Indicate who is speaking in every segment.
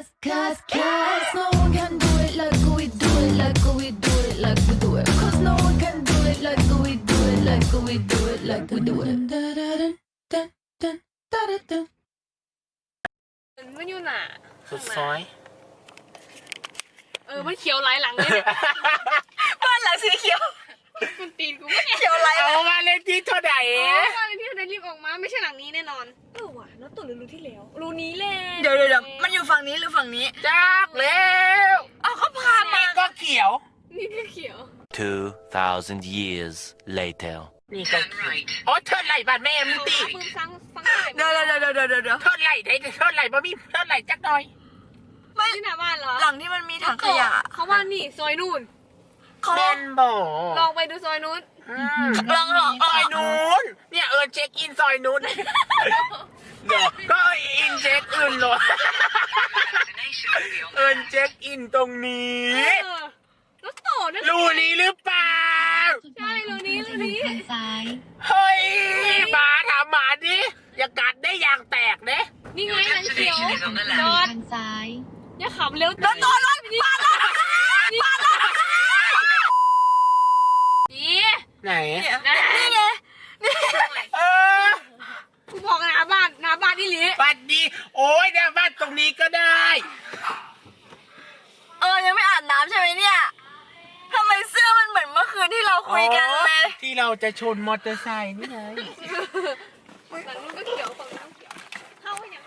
Speaker 1: Cause no one can do it like we do it, like we do it, like we do it. Cause no one can do it like we do it, like we do it, like we do it.
Speaker 2: มันอยู่หนา
Speaker 3: สุดซอย
Speaker 2: มันเขียวหลายหลังเลยเนี่ย
Speaker 4: บ้านหลังสีเขียว
Speaker 2: มันตีนกูไม่เนี่ย
Speaker 4: เขียวไร
Speaker 3: เอามาเล่นที่เท่าไหร่
Speaker 2: ว่าที่เราได้รีบออกมาไม่ใช่หลังนี้แน่นอนว่ะแล้วตัวรูที่แล้วรูนี้แหละ
Speaker 4: เดี๋ยวมันอยู่ฝั่งนี้หรือฝั่งนี้
Speaker 3: จักแล้ว
Speaker 4: เอาเขาพามา
Speaker 3: นี่ก็เขียว
Speaker 2: นี่ก็เขียว
Speaker 5: 2,000 years later.
Speaker 3: นี่ก็เขียวอ๋อเทิดไหลบ้านแม่มึงตี
Speaker 2: ปืนฟัง
Speaker 4: เดี๋ยว
Speaker 3: เทิดไหลได้เทิดไหลบ่มีเทิดไหลจักหน่อย
Speaker 4: ไม่
Speaker 2: ที่หน้าบ้านเหรอ
Speaker 4: หลังที่มันมีถังขยะ
Speaker 2: เขาว่านี่ซอยนู่น
Speaker 4: เขา
Speaker 3: เล่นบ่
Speaker 2: ลองไปดูซอยนู้น
Speaker 4: ลอง
Speaker 3: ซอยนู้นเนี่ยเช็คอินซอยนู้นเดี๋ยวก็อินเช็คอื่นหรอเช็คอินตรงนี้
Speaker 2: แล้วโตนั่น
Speaker 3: รูนี้หรือเปล่า
Speaker 2: ใช่รูนี้
Speaker 3: เฮ้ยหมาถามหมาดิอย่ากัดได้อย่างแตกเด้
Speaker 2: นี่ไงหลังเขียวจอดอย่าขับเร็ว
Speaker 4: รถปาดรถ
Speaker 2: ดี
Speaker 3: ไหน
Speaker 4: นี่ไง
Speaker 3: เออ
Speaker 2: กูบอกหน้าบ้านนี่หลี
Speaker 3: บัดดีโอ้ยเนี่ยบ้านตรงนี้ก็ได้
Speaker 4: ยังไม่อาบน้ำใช่ไหมเนี่ยทำไมเสื้อมันเหมือนเมื่อคืนที่เราคุยกันเลย
Speaker 3: ที่เราจะชนมอเตอร์ไซค์นี่ไง
Speaker 2: ฝั่งนู้นก็เขียวฝั่งนู้นเขียวเข้าให้ยังไง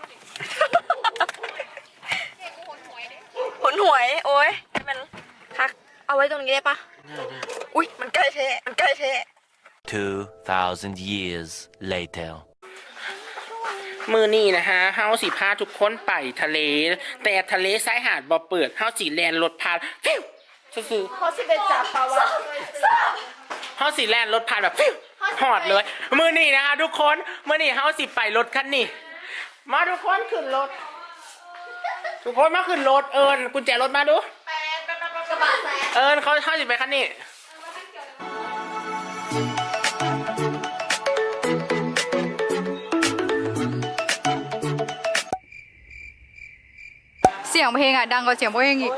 Speaker 2: เนี่ยกูหนหวยเด้
Speaker 4: ผลหวยโอ้ยมันพักเอาไว้ตรงนี้ได้ปะอุ๊ยมันใกล้เทะ
Speaker 5: 2,000 years later.
Speaker 3: มือนี่นะฮะเฮาสิพาทุกคนไปทะเล แต่ทะเลชายหาดบ่เปิดเฮาสิแลนรถพานฟิวซื่อ
Speaker 4: เขาสิเป็นจับปลาวะ
Speaker 3: เฮาสิแลนรถพานแบบฟิวหอดเลย มือนี่นะฮะทุกคนมือนี่เฮาสิไปรถคันนี้มาทุกคนขึ้นรถทุกคนมาขึ้นรถกุญแจรถมาดู
Speaker 4: กระบะแซง
Speaker 3: เขาสิไปคันนี้
Speaker 6: เสียงเพลงอ่ะดังกว่าเสียงเพลงอีก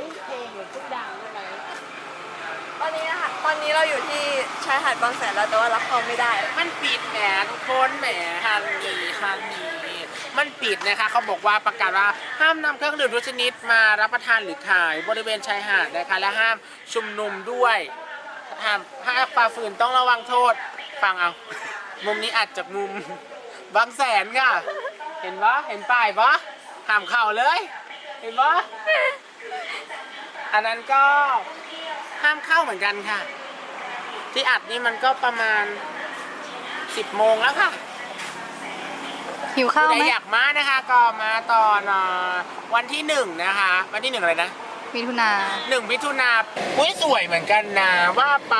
Speaker 4: ตอนนี้เราอยู่ที่ชายหาดบางแสนแล้วแต่ว่ารับเขาไม่ได้
Speaker 3: มันปิดแหมทุกคนแหมฮันนี่มันปิดนะคะเขาบอกว่าประกาศว่าห้ามนำเครื่องดื่มทุกชนิดมารับประทานหรือขายบริเวณชายหาดนะคะและห้ามชุมนุมด้วยห้ามฝ่าฝืนต้องระวังโทษฟังเอามุมนี้อาจจากมุมบางแสนค่ะเห็นปะเห็นป้ายปะห้ามเข้าเลยเห็นปะอันนั้นก็ห้ามเข้าเหมือนกันค่ะที่อัดนี่มันก็ประมาณ10 โมงแล้วค่ะ
Speaker 6: หิวข้าวไหม
Speaker 3: ใครอยากมานะคะก็มาตอนวันที่1นะคะวันที่1อะไรนะ
Speaker 6: มิถุนา
Speaker 3: 1 มิถุนาอุ้ยสวยเหมือนกันนะว่าไป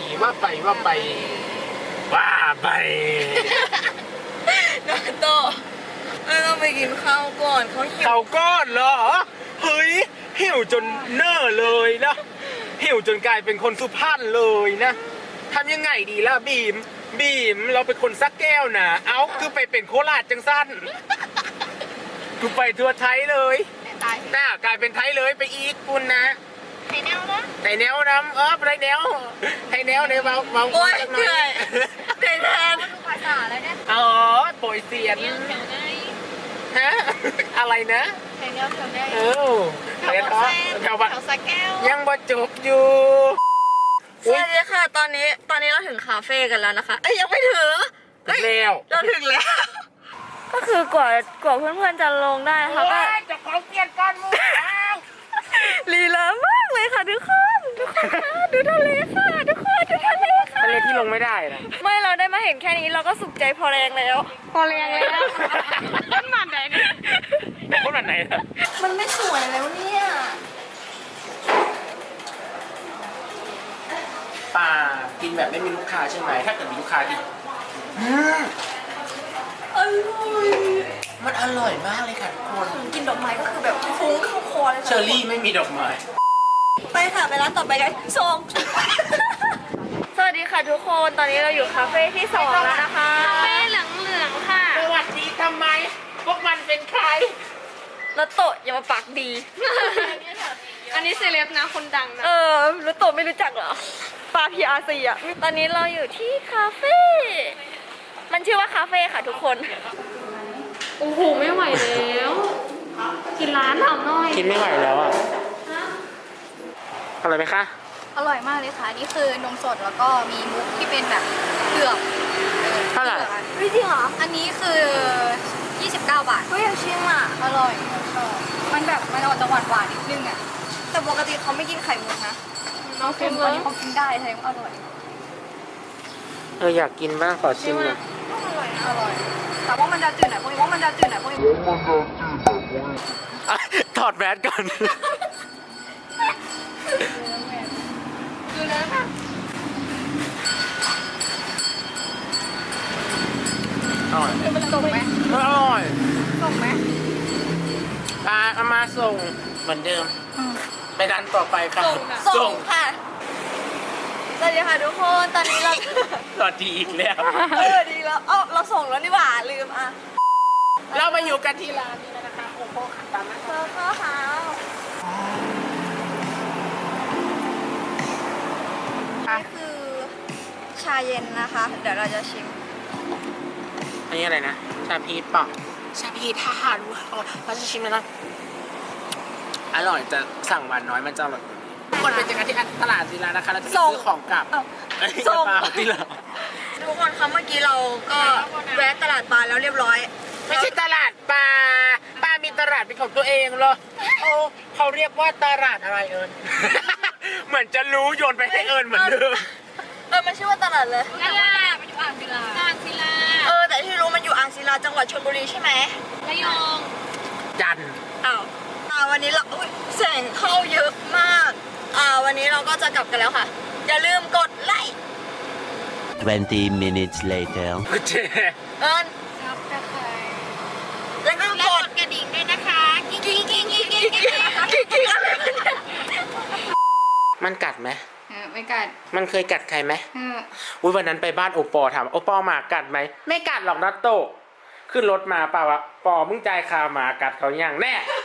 Speaker 4: นาโตเราไปกินข้าวก่อนเขาหิว
Speaker 3: เขาก้อนเหรอเฮ้ยหิวจนเน่อเลยนะหิวจนกลายเป็นคนสุพรรณเลยนะทำยังไงดีล่ะบีมเราเป็นคนสักแก้วนะเอาคือไปเป็นโคราชจังสั้นกูไปทั่วไทยเลยน่ากลายเป็นไทยเลยไปอีกคุณนะไทยแนวนะไทยแนวน้ำไทยแนวในเบา
Speaker 4: โอ้ย
Speaker 3: จักห
Speaker 4: เหนื่อยแทน
Speaker 2: ภาษาอะไรเนี่ย
Speaker 3: อ๋อโปรยเสียน
Speaker 2: แถวไหน
Speaker 3: ฮะอะไรนะ
Speaker 2: แถวไหน
Speaker 3: เออแถวบ้าน
Speaker 2: แถวสะแก้ว
Speaker 3: ยังบ่จบอยู่
Speaker 4: สวัสดีค่ะตอนนี้เราถึงคาเฟ่กันแล้วนะคะยังไม่ถึง
Speaker 3: แล้ว
Speaker 4: เราถึงแล้ว ก็คือกว่าเพื่อนๆจะลงได้นะคะก็
Speaker 3: จะของเปลี่ยนกันมึงแล้ว
Speaker 4: ลีลามากเลยค่ะทุกคนดูทะเลค่ะทุกคนดูทะเลค่ะ
Speaker 3: ทะเลที่ลงไม่ได้นะ
Speaker 4: ไม่เราได้มาเห็นแค่นี้เราก็สุขใจพอแรงแล้ว
Speaker 2: ต้นมันไหนเนี่ย
Speaker 3: คนแบบไหนนะ
Speaker 4: มันไม่สวยแล้วเนี่ย
Speaker 3: ป่ากินแบบไม่มีลูกค้าใช่ไหมถ้าเกิดมีลูกค้าที่
Speaker 4: อร่อย
Speaker 3: มันอร่อยมากเลยค่ะทุกคน
Speaker 4: กินดอกไม้ก็คือแบบฟุ้งเข้าคอเลย
Speaker 3: เชอร์รี่ไม่มีดอกไม้
Speaker 4: ไปค่ะไปร้านต่อไปกันส่งสวัสดีค่ะทุกคนตอนนี้เราอยู่คาเฟ่ที่2แล้วนะคะ
Speaker 2: เป้เหลืองค่ะ
Speaker 3: สวัสดีทำไม พวกมันเป็นใคร
Speaker 4: แล้วโตะอย่ามาปากดี
Speaker 2: อันนี้เซเลบนะคนดังนะ
Speaker 4: แล้วโตะไม่รู้จักเหรอปลา PRC อ่ะตอนนี้เราอยู่ที่คาเฟ่มันชื่อว่าคาเฟ่ค่ะทุกคน
Speaker 2: โอ้โหไม่ไหวแล้วกินร้านถามหน่อย
Speaker 3: กินไม่ไหวแล้วอ่ะอร่อยไหมคะ
Speaker 6: อร่อยมากเลยค่ะ นี่คือนมสดแล้วก็มีมุกที่เป็นแบบเผือก
Speaker 3: เท่าไหร่
Speaker 4: จริงเหรอ
Speaker 6: อันนี้คือ 29 บาท
Speaker 4: เฮ้ยอยากชิมอ่ะ
Speaker 6: อร่อยชอบมันแบบมันออกจะหวานหวานๆนิดนึงอ่ะ
Speaker 4: แต่ปกติเขาไม่กินไข่มุกนะ
Speaker 2: น้อง
Speaker 6: อั
Speaker 2: เค็ม
Speaker 6: น
Speaker 2: เลย
Speaker 6: นี้เขากินได้แสดงว่าอร่อย
Speaker 3: อยากกินบ้างขอชิมหน่อย
Speaker 6: อร่อย แต่ว่ามันจะจืดหน่อยพวกนี้ว่ามันจะจืดหน่อยพวกนี้
Speaker 3: ถอดแมสก่อน
Speaker 6: คือเนื้อแบบ
Speaker 3: อร่อย
Speaker 6: มันส่งไหม
Speaker 3: อร่อย
Speaker 6: ส่งไหม
Speaker 3: เอามาส่งเหมือนเดิม ไปดันต่อไปค่ะ
Speaker 4: ส่งค่ะ สวัสดีค่ะทุกคน ตอนนี้เรา
Speaker 3: สวัสดีอีกแล้ว
Speaker 4: ดีแล้วเราส่งแล้วนี่หว่าลืมอ่ะ
Speaker 3: เรามาอยู่กันที่ร้านนี้แล้วนะคะโอ้โหขัดตามนะคะ
Speaker 4: ข้าวขาว นี่คือชาเย็นนะคะ เดี๋ยวเราจะชิม
Speaker 3: อันนี้อะไรนะ ชาพีชเปล่ะชาพีชทหารเราจะชิมแล้วนะ อร่อยจะสั่งหวานน้อยมันจะแบบคนไปเจอกันที่ตลาดศิลานะคะเราจะไปซื้อของกลับ เอ้ย
Speaker 4: ส่ง
Speaker 3: เปล่าที่เรา
Speaker 4: ทุกคนคะเมื่อกี้เราก็แวะตลาดปลาแล้วเรียบร้อย
Speaker 3: ไม่ใช่ตลาดปลามีตลาดเป็นของตัวเองเหรอเขาเรียกว่าตลาดอะไรเอิญ เหมือนจะรู้โยนไปให้เอิญเหมือนเดิม
Speaker 4: มันชื่อว่าตลาดเลย
Speaker 2: ตลาดมันอยู่อ่างศิลาอ่างศิลา
Speaker 4: แต่ที่รู้มันอยู่อ่างศิลาจังหวัดชลบุรีใช่ไหม
Speaker 2: ระยอง
Speaker 3: จันทร์
Speaker 4: อ้าววันนี้เราแสงเข้าเยอะมาก วันนี้เราก็จะกลับกันแล้วค่ะ อย่าลืมกดไลค์
Speaker 5: 20 minutes later.
Speaker 3: เจ๊
Speaker 4: เอิญ
Speaker 6: ครับจะใคร
Speaker 4: แล้วก็กด
Speaker 2: กระดิ่งด้วยนะคะกิ๊งกิ๊งกิ๊งกิ๊งกิ๊ง
Speaker 4: กิ๊กอะไร
Speaker 3: มันกัดไหม
Speaker 6: ไม่กัด
Speaker 3: มันเคยกัดใครไหม
Speaker 6: เออ
Speaker 3: วันนั้นไปบ้านโอปอถามโอปอหมากัดไหมไม่กัดหรอกนัตโตขึ้นรถมาเปล่าวะปอมึงใจายคาหมากัดเขาอย่างแน่